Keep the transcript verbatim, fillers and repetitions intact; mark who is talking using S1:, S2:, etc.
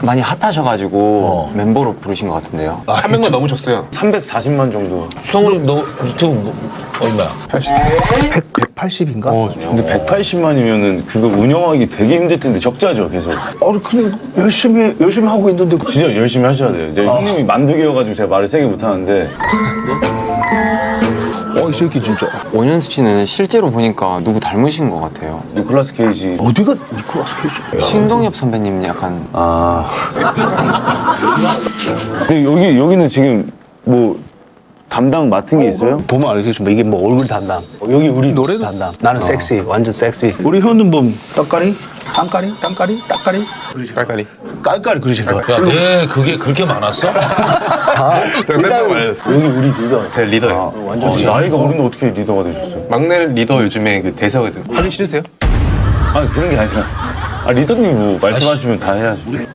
S1: 많이 핫하셔가지고
S2: 어.
S1: 멤버로 부르신 것 같은데요.
S3: 삼백만 넘으셨어요.
S4: 삼백사십만 정도.
S2: 성훈이 너 유튜브 뭐, 얼마야?
S5: 백, 백팔십인가?
S4: 어, 근데 백팔십만이면은 그거 운영하기 되게 힘들 텐데 적자죠, 계속.
S5: 아니 근데 열심히 열심히 하고 있는데 그-
S4: 진짜 열심히 하셔야 돼요. 이제 형님이 만두기여가지고 제가 말을 세게 못하는데.
S5: 어, 이 새끼 진짜
S1: 원현수 씨는 실제로 보니까 누구 닮으신 것 같아요.
S4: 니콜라스 케이지.
S5: 어디가 니콜라스 케이지?
S1: 신동엽 선배님 약간
S4: 아. 근데 여기, 여기는 지금 뭐 담당 맡은 게 있어요?
S5: 보면 알겠지만 이게 뭐 얼굴 담당, 여기 우리 노래 담당. 나는 섹시, 완전 섹시. 우리 현은 뭐 떡가리, 땅가리, 땅가리, 딱가리,
S3: 깔깔이.
S5: 깔깔이 그러지 마.
S2: 야, 내 그게 그렇게 많았어?
S5: 다
S4: 여기 우리 리더.
S3: 제 리더예요.
S4: 완전 나이가 어린데 어떻게 리더가 되셨어요?
S3: 막내 리더 요즘에 그 대세거든. 하기 싫으세요?
S4: 아니, 그런 게 아니라. 아, 리더님 뭐 말씀하시면 다 해야죠.